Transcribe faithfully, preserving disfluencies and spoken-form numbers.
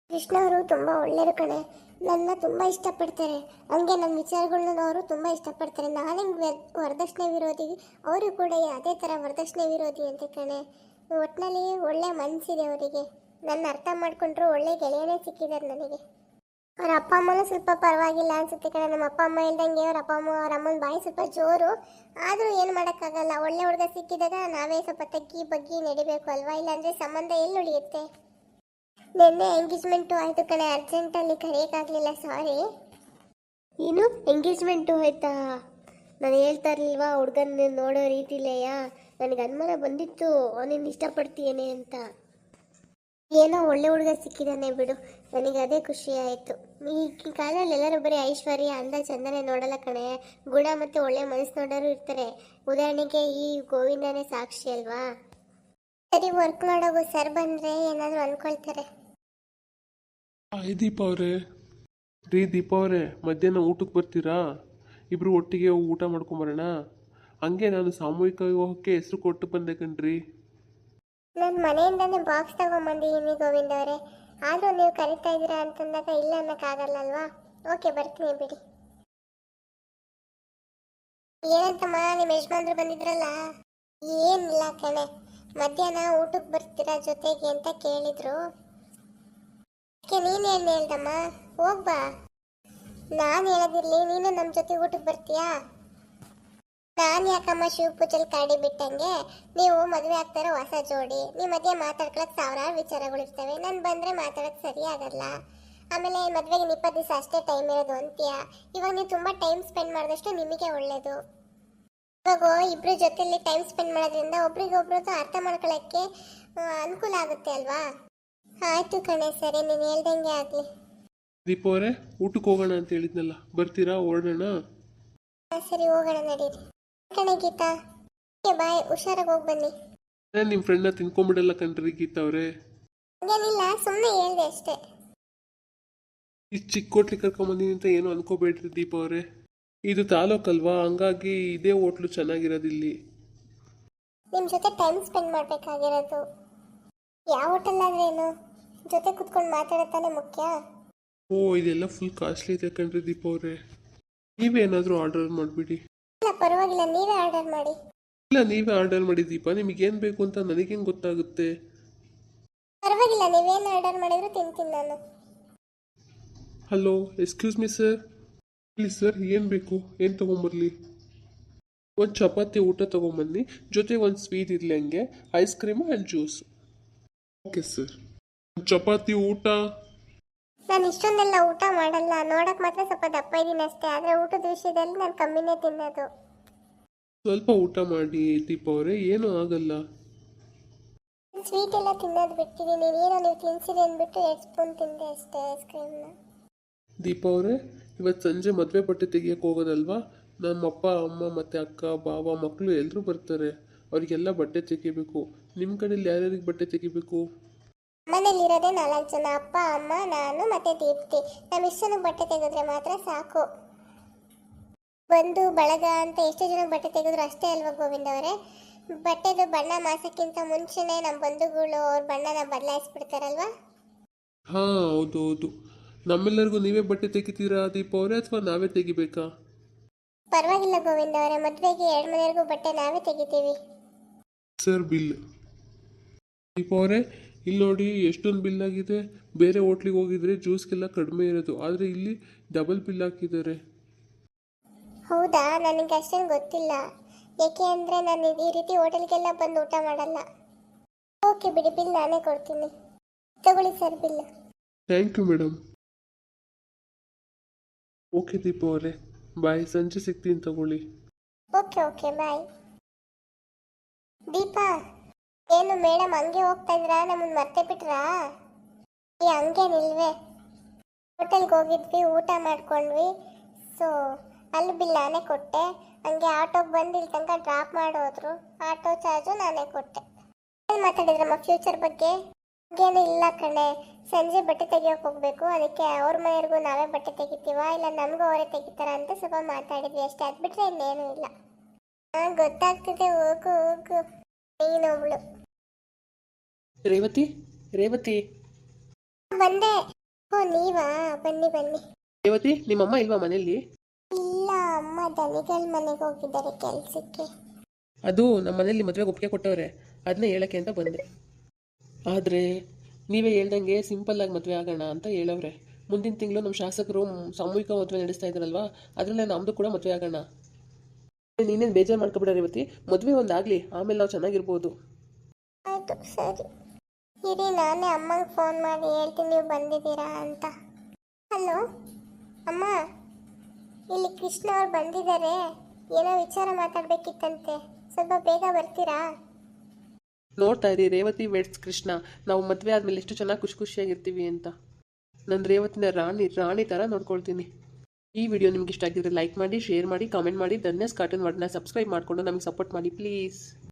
ಕೃಷ್ಣ ಅವರು ತುಂಬ ಒಳ್ಳೆಯರು ಕಣೆ. ನನ್ನ ತುಂಬ ಇಷ್ಟಪಡ್ತಾರೆ. ಹಂಗೆ ನನ್ನ ವಿಚಾರಗಳನ್ನ ಅವರು ತುಂಬ ಇಷ್ಟಪಡ್ತಾರೆ. ನಾನೇ ವರದಕ್ಷಿಣೆ ವಿರೋಧಿ, ಅವರು ಕೂಡ ಅದೇ ಥರ ವರದಕ್ಷಿಣೆ ವಿರೋಧಿ ಅಂತ ಕಣೆ. ಒಟ್ಟಿನಲ್ಲಿ ಒಳ್ಳೆ ಮನಸ್ಸಿದೆ ಅವರಿಗೆ. ನನ್ನ ಅರ್ಥ ಮಾಡ್ಕೊಂಡ್ರು ಒಳ್ಳೆ ಗೆಳೆಯನೇ ಸಿಕ್ಕಿದ್ದಾರೆ ನನಗೆ. ಅವ್ರ ಅಪ್ಪ ಅಮ್ಮನೂ ಸ್ವಲ್ಪ ಪರವಾಗಿಲ್ಲ ಅನ್ಸುತ್ತೆ ಕಣೆ. ನಮ್ಮ ಅಪ್ಪ ಅಮ್ಮ ಇಲ್ದಂಗೆ ಅವ್ರ ಅಪ್ಪ ಅಮ್ಮ ಅವ್ರ ಅಮ್ಮನ ಬಾಯಿ ಸ್ವಲ್ಪ ಜೋರು. ಆದರೂ ಏನು ಮಾಡೋಕ್ಕಾಗಲ್ಲ. ಒಳ್ಳೆ ಹುಡುಗ ಸಿಕ್ಕಿದಾಗ ನಾವೇ ಸ್ವಲ್ಪ ತಗ್ಗಿ ಬಗ್ಗಿ ನಡಿಬೇಕು ಅಲ್ವಾ, ಇಲ್ಲಾಂದರೆ ಸಂಬಂಧ ಎಲ್ಲಿ ಉಳಿಯುತ್ತೆ. ನಿನ್ನೆ ಎಂಗೇಜ್ಮೆಂಟು ಆಯಿತು ಕಣೆ, ಅರ್ಜೆಂಟಲ್ಲಿ ಕರೆಯೋಕ್ಕಾಗಲಿಲ್ಲ, ಸಾರಿ. ಏನು ಎಂಗೇಜ್ಮೆಂಟು ಆಯ್ತಾ? ನಾನು ಹೇಳ್ತಾ ಇರಲಿಲ್ವಾ ಹುಡುಗನ ನೋಡೋ ರೀತಿಲೇಯಾ, ನನಗೆ ಅನುಮಾನ ಬಂದಿತ್ತು ಅವನಿನ್ನು ಇಷ್ಟಪಡ್ತೀಯೇನೆ ಅಂತ. ಏನೋ ಒಳ್ಳೆ ಹುಡುಗ ಸಿಕ್ಕಿದ್ದಾನೆ ಬಿಡು, ನನಗೆ ಅದೇ ಖುಷಿ ಆಯಿತು. ಈ ಕಾಲದಲ್ಲಿ ಎಲ್ಲರೂ ಬರೀ ಐಶ್ವರ್ಯ ಅಂದ ಚಂದನೆ ನೋಡಲ್ಲ ಕಣೆ, ಗುಣ ಮತ್ತು ಒಳ್ಳೆ ಮನಸ್ಸು ನೋಡೋರು ಇರ್ತಾರೆ. ಉದಾಹರಣೆಗೆ ಈ ಗೋವಿಂದನೇ ಸಾಕ್ಷಿ ಅಲ್ವಾ. ಸರಿ, ವರ್ಕ್ ಮಾಡೋಗು, ಸರ್ ಬಂದರೆ ಏನಾದರೂ ಅಂದ್ಕೊಳ್ತಾರೆ. ಹಾಯ್ ದೀಪ ಅವರೇ. ರೀ ದೀಪ ಅವರೇ, ಮಧ್ಯಾಹ್ನ ಊಟಕ್ಕೆ ಬರ್ತೀರಾ? ಇಬ್ಬರು ಒಟ್ಟಿಗೆ ಹೋಗಿ ಊಟ ಮಾಡ್ಕೊಂಬರೋಣ. ಹಂಗೆ ನಾನು ಸಾಮೂಹಿಕ ವಿವಾಹಕ್ಕೆ ಹೆಸರು ಕೊಟ್ಟು ಬಂದೆ ಕಣ್ರಿ. ನನ್ನ ಮನೆಯಿಂದನೇ ಬಾಕ್ಸ್ ತಗೊಂಬಂದಿದ್ದೀನಿ ಗೋವಿಂದ ಅವರೇ. ಆದರೂ ನೀವು ಕರಿತಾ ಇದ್ದೀರಾ ಅಂತಂದಾಗ ಇಲ್ಲ ಅನ್ನೋಕ್ಕಾಗಲ್ಲಲ್ವಾ. ಓಕೆ, ಬರ್ತೀನಿ ಬಿಡಿ. ಏನಂತಮ್ಮ, ನಿಮ್ಮ ಯಜಮಾನ್ರು ಬಂದಿದ್ರಲ್ಲ? ಏನಿಲ್ಲ ಕಣೆ, ಮಧ್ಯಾಹ್ನ ಊಟಕ್ಕೆ ಬರ್ತೀರಾ ಜೊತೆಗೆ ಅಂತ ಕೇಳಿದ್ರು. ನೀನೇನು ಹೇಳ್ದಮ್ಮ, ಹೋಗ್ಬಾ. ನಾನು ಹೇಳೋದಿರ್ಲಿ, ನೀನು ನಮ್ಮ ಜೊತೆ ಊಟಕ್ಕೆ ಬರ್ತೀಯಾ? ನಾನು ಯಾಕಮ್ಮ ಶಿವ ಪೂಜಲ್ ಕಾಡಿ ಬಿಟ್ಟಂಗೆ, ನೀವು ಮದುವೆ ಆಗ್ತಾರೋ ಹೊಸ ಜೋಡಿ, ನಿಮ್ಮ ಮಧ್ಯೆ ಮಾತಾಡ್ಕೊಳಕ್ಕೆ ಸಾವಿರಾರು ವಿಚಾರಗಳು ಇರ್ತವೆ. ನಾನು ಬಂದರೆ ಮಾತಾಡೋಕ್ಕೆ ಸರಿ ಆಗಲ್ಲ. ಆಮೇಲೆ ಮದುವೆಗೆ ಇಪ್ಪತ್ತು ದಿವಸ ಅಷ್ಟೇ ಟೈಮ್ ಇರೋದು ಅಂತೀಯ. ಇವಾಗ ನೀವು ತುಂಬ ಟೈಮ್ ಸ್ಪೆಂಡ್ ಮಾಡಿದಷ್ಟು ನಿಮಗೆ ಒಳ್ಳೆಯದು. ಇವಾಗ ಇಬ್ಬರ ಜೊತೆಯಲ್ಲಿ ಟೈಮ್ ಸ್ಪೆಂಡ್ ಮಾಡೋದ್ರಿಂದ ಒಬ್ರಿಗೊಬ್ರು ಅರ್ಥ ಮಾಡ್ಕೊಳ್ಳೋಕ್ಕೆ ಅನುಕೂಲ ಆಗುತ್ತೆ ಅಲ್ವಾ. ಆಯ್ತು ಕಣೆ, ಸರಿ, ನೀನು ಹೇಳ್ದಂಗೆ ಆಗಲಿ. ದೀಪ ಅವರೇ, ಊಟಕ್ಕೆ ಹೋಗೋಣ ಅಂತ ಹೇಳಿದ್ನಲ್ಲ, ಬರ್ತೀರಾ? ಹೊರಡೋಣ. ಸರಿ, ಹೋಗೋಣ ನಡೀರಿ. ಕಣೆ ಗೀತಾ, ಬಾಯ್, ಹುಷಾರಾಗಿ ಹೋಗಿ ಬನ್ನಿ. ನಾನು ನಿಮ್ಮ ಫ್ರೆಂಡ್ನ ತಿನ್ಕೊಂಬಿಡಲ್ಲ ಕಣ್ರಿ ಗೀತಾ ಅವರೇ. ಹಂಗೇನಿಲ್ಲ, ಸುಮ್ಮನೆ ಹೇಳಿದೆ ಅಷ್ಟೇ. ಇಷ್ಟು ಚಿಕ್ಕ ಹೋಟ್ಲಿಗೆ ಕರ್ಕೊಂಬಂದಿನಿ ಅಂತ ಏನು ಅನ್ಕೋಬೇಡ್ರಿ ದೀಪ ಅವರೇ. ಇದು ತಾಲೂಕಲ್ವಾ, ಹಂಗಾಗಿ ಇದೇ ಹೋಟ್ಲು ಚೆನ್ನಾಗಿರೋದಿಲ್ಲಿ. ನಿಮ್ಮ ಜೊತೆ ಟೈಮ್ ಸ್ಪೆಂಡ್ ಮಾಡಬೇಕಾಗಿರೋದು. ಯಾವ ಹೋಟೆಲ್ ಆದ್ರೇನು, ಜೊತೆ ಕುತ್ಕೊಂಡು ಮಾತಾಡೋತಾನೆ ಮುಖ್ಯ. ಓ, ಇದೆಲ್ಲ ಫುಲ್ ಕಾಸ್ಟ್ಲಿ ಇದೆ ಕಣ್ರಿ ದೀಪ ಅವರೇ. ನೀವೇನಾದರೂ ಆರ್ಡರ್ ಮಾಡಿಬಿಡಿ. ಇಲ್ಲ ಪರವಾಗಿಲ್ಲ, ನೀವೇ ಆರ್ಡರ್ ಮಾಡಿ. ಇಲ್ಲ, ನೀವೇ ಆರ್ಡರ್ ಮಾಡಿ ದೀಪ. ನಿಮಗೇನು ಬೇಕು ಅಂತ ನನಗೇನು ಗೊತ್ತಾಗುತ್ತೆ? ಪರವಾಗಿಲ್ಲ, ನೀವೇನು ಆರ್ಡರ್ ಮಾಡಿದ್ರು ತಿಂತೀನಿ ನಾನು. Hello, excuse me sir. ಇಲ್ಲಿ ಸರ್, ಏನು ಬೇಕು? ಏನು ತೊಗೊಂಬರ್ಲಿ? ಒಂದು ಚಪಾತಿ ಊಟ ತೊಗೊಂಬನ್ನಿ, ಜೊತೆಗೆ ಒಂದು ಸ್ವೀಟ್ ಇರಲಿ, ಹಂಗೆ ice cream and juice. Okay sir. ಚಪಾತಿ ಊಟ. ನಾನು ಇಷ್ಟೊಂದೆಲ್ಲ ಊಟ ಮಾಡಲ್ಲ, ನೋಡಕ್ ಮಾತ್ರ ಸ್ವಲ್ಪ ದಪ್ಪ ಇದ್ದೀನಿ ಅಷ್ಟೇ. ಆದರೆ ಊಟದ ವಿಷಯದಲ್ಲಿ ನಾನು ಕಮ್ಮಿನೇ ತಿನ್ನೋದು. ಸ್ವಲ್ಪ ಊಟ ಮಾಡಿ ದೀಪ ಅವರೇ, ಏನೂ ಆಗಲ್ಲ. ಸ್ವೀಟ್ ಎಲ್ಲ ತಿನ್ನೋದು ಬಿಟ್ಟಿದ್ದೀನಿ. ಏನೋ ನೀವು ತಿನ್ಸಿರಿ ಅಂದ್ಬಿಟ್ಟು ಎರಡು ಸ್ಪೂನ್ ತಿಂದೆ ಅಷ್ಟೇ ಐಸ್ ಕ್ರೀಮ್ನ. ದೀಪ ಅವರೇ, ಇವತ್ತು ಸಂಜೆ ಮದುವೆ ಬಟ್ಟೆ ತೆಗಿಯೋಕೆ ಹೋಗೋದಲ್ವಾ? ನಮ್ಮ ಅಪ್ಪ ಅಮ್ಮ ಮತ್ತು ಅಕ್ಕ ಬಾವ ಮಕ್ಕಳು ಎಲ್ಲರೂ ಬರ್ತಾರೆ. ಅವರಿಗೆಲ್ಲ ಬಟ್ಟೆ ತೆಗಿಬೇಕು. ನಿಮ್ಮ ಕಡೆಯಲ್ಲಿ ಯಾರ್ಯಾರಿಗೆ ಬಟ್ಟೆ ತೆಗಿಬೇಕು? ಮನೇಲಿರೋದೇ ನಾಲ್ಕು ಜನ, ಅಪ್ಪ ಅಮ್ಮ ನಾನು ಮತ್ತೆ ದೀಪ್ತಿ. ನಮ್ಮ ಇಷ್ಟು ಜನಕ್ಕೆ ಬಟ್ಟೆ ತೆಗೆದ್ರೆ ಮಾತ್ರ ಸಾಕು. ಬಂದು ಬಳಗ ಅಂತ ಎಷ್ಟು ಜನಕ್ಕೆ ಬಟ್ಟೆ ತೆಗೆದ್ರು ಅಷ್ಟೇ ಅಲ್ವಾ ಗೋವಿಂದ ಅವರೇ. ಬಟ್ಟೆದು ಬಣ್ಣ ಮಾಸಕ್ಕಿಂತ ಮುಂಚೆನೇ ನಮ್ಮ ಬಂಧುಗಳು ಅವ್ರ ಬಣ್ಣನ ಬದಲಾಯಿಸ್ಬಿಡ್ತಾರಲ್ವಾ. ಹಾಂ, ಹೌದು ಹೌದು. ನಮ್ಮೆಲ್ಲರಿಗೂ ನೀವೇ ಬಟ್ಟೆ ತೆಗಿತೀರಾ ದೀಪ ಅವರೇ, ಅಥವಾ ನಾವೇ ತೆಗಿಬೇಕಾ? ಪರವಾಗಿಲ್ಲ ಗೋವಿಂದ ಅವರೇ, ಮದುವೆಗೆ ಎರಡು ಮನೆಯವರೆಗೂ ಬಟ್ಟೆ ನಾವೇ ತೆಗಿತೀವಿ. Sir, bill. ದೀಪ ಅವರೇ, ಇಲ್ಲಿ ನೋಡಿ ಎಷ್ಟೊಂದು ಬಿಲ್ ಆಗಿದೆ. ಬೇರೆ ಹೋಟ್ಲಿಗೆ ಹೋಗಿದ್ರೆ ಜ್ಯೂಸ್ಗೆಲ್ಲ ಕಡಿಮೆ ಇರೋದು, ಆದರೆ ಇಲ್ಲಿ ಡಬಲ್ ಬಿಲ್ ಹಾಕಿದ್ದಾರೆ. ಹೌದಾ? ನನಗೆ ಅಷ್ಟೇನು ಗೊತ್ತಿಲ್ಲ. ಏಕೆ ಅಂದರೆ ನಾನು ಈ ರೀತಿ ಹೋಟೆಲ್ಗೆಲ್ಲ ಬಂದು ಊಟ ಮಾಡಲ್ಲ. ಓಕೆ ಬಿಡಿ, ಬಿಲ್ ನಾನೇ ಕೊಡ್ತೀನಿ. ತಗೊಳ್ಳಿ sir bill. Thank you madam. Okay Deepa ಅವರೇ, ಬಾಯ್. ಸಂಜೆ ಸಿಗ್ತೀನಿ, ತಗೊಳ್ಳಿ. ಓಕೆ ಓಕೆ, ಬಾಯ್. ದೀಪಾ, ಏನು ಮೇಡಮ್ ಹಂಗೆ ಹೋಗ್ತಾ ಇದ್ರಾ? ನಮ್ಮನ್ನು ಮರ್ತೇ ಬಿಟ್ರಾ? ಈ ಹಂಗೇನಿಲ್ವೇ, ಹೋಟೆಲ್ಗೆ ಹೋಗಿದ್ವಿ, ಊಟ ಮಾಡ್ಕೊಂಡ್ವಿ. ಸೊ ಅಲ್ಲಿ ಬಿಲ್ ನಾನೇ ಕೊಟ್ಟೆ. ಹಂಗೆ ಆಟೋಗೆ ಬಂದು ಇಲ್ಲಿ ತನಕ ಡ್ರಾಪ್ ಮಾಡೋದ್ರು, ಆಟೋ ಚಾರ್ಜು ನಾನೇ ಕೊಟ್ಟೆ. ಏನು ಮಾತಾಡಿದ್ರಮ್ಮ ಫ್ಯೂಚರ್ ಬಗ್ಗೆ? ಹಂಗೇನು ಇಲ್ಲ ಕಣೆ, ಸಂಜೆ ಬಟ್ಟೆ ತೆಗಿಯೋಕೆ ಹೋಗ್ಬೇಕು, ಅದಕ್ಕೆ ಅವ್ರ ಮನೆಯವ್ರಿಗೂ ನಾವೇ ಬಟ್ಟೆ ತೆಗಿತೀವ ಇಲ್ಲ ನಮಗೂ ಅವರೇ ತೆಗಿತಾರ ಅಂತ ಸ್ವಲ್ಪ ಮಾತಾಡಿದ್ವಿ ಅಷ್ಟೇ. ಅದು ಬಿಟ್ಟರೆ ಇನ್ನೇನು ಇಲ್ಲ. ಹಾಂ, ಗೊತ್ತಾಗ್ತಿದೆ, ಹೋಗು ಹೋಗು. ನೀನೊಬ್ಳು ರೇವತಿ ರೇವತಿ ಬಂದೆ. ಓ ನೀವಾ, ಬನ್ನಿ ಬನ್ನಿ. ರೇವತಿ ನಿಮ್ಮಮ್ಮ ಇಲ್ವಾ ಮನೇಲಿ? ಇಲ್ಲ, ಅಮ್ಮ ದನಿಗಳ ಮನೆಗೆ ಹೋಗಿದ್ದಾರೆ ಕೆಲ್ಸಕ್ಕೆ. ಅದು ನಮ್ಮ ಮನೇಲಿ ಮದುವೆಗೆ ಒಪ್ಪಿಗೆ ಕೊಟ್ಟವ್ರೆ, ಅದನ್ನೇ ಹೇಳೋಕ್ಕೆ ಅಂತ ಬಂದೆ. ಆದರೆ ನೀವೇ ಹೇಳ್ದಂಗೆ ಸಿಂಪಲ್ಲಾಗಿ ಮದುವೆ ಆಗೋಣ ಅಂತ ಹೇಳವ್ರೆ. ಮುಂದಿನ ತಿಂಗಳು ನಮ್ಮ ಶಾಸಕರು ಸಾಮೂಹಿಕ ಮದುವೆ ನಡೆಸ್ತಾ ಇದ್ದಾರಲ್ವಾ, ಅದರಲ್ಲೇ ನಮ್ಮದು ಕೂಡ ಮದುವೆ ಆಗೋಣ. ನೀನೇನು ಬೇಜಾರು ಮಾಡ್ಕೊಬಿಡ ರೇವತಿ, ಮದುವೆ ಒಂದಾಗಲಿ, ಆಮೇಲೆ ನಾವು ಚೆನ್ನಾಗಿರ್ಬೋದು. ಆಯಿತು ಸರಿ ಇರಿ, ನಾನೇ ಅಮ್ಮಂಗೆ ಫೋನ್ ಮಾಡಿ ಹೇಳ್ತೀನಿ ನೀವು ಬಂದಿದ್ದೀರಾ ಅಂತ. ಹಲೋ ಅಮ್ಮ, ಇಲ್ಲಿ ಕೃಷ್ಣ ಅವ್ರು ಬಂದಿದ್ದಾರೆ, ಏನೋ ವಿಚಾರ ಮಾತಾಡಬೇಕಿತ್ತಂತೆ, ಸ್ವಲ್ಪ ಬೇಗ ಬರ್ತೀರಾ? ನೋಡ್ತಾ ಇರಿ ರೇವತಿ ವೆಡ್ಸ್ ಕೃಷ್ಣ, ನಾವು ಮದುವೆ ಆದಮೇಲೆ ಎಷ್ಟು ಚೆನ್ನಾಗಿ ಖುಷಿ ಖುಷಿಯಾಗಿರ್ತೀವಿ ಅಂತ. ನನ್ನ ರೇವತಿನ ರಾಣಿ ರಾಣಿ ಥರ ನೋಡ್ಕೊಳ್ತೀನಿ. ಈ ವಿಡಿಯೋ ನಿಮ್ಗೆ ಇಷ್ಟ ಆಗಿದ್ರೆ ಲೈಕ್ ಮಾಡಿ, ಶೇರ್ ಮಾಡಿ, ಕಾಮೆಂಟ್ ಮಾಡಿ. ಧನ್ಯಸ್ ಕಾರ್ಟೂನ್ ವರ್ಡ್ನ ಸಬ್ಸ್ಕ್ರೈಬ್ ಮಾಡಿಕೊಂಡು ನಮಗೆ ಸಪೋರ್ಟ್ ಮಾಡಿ ಪ್ಲೀಸ್.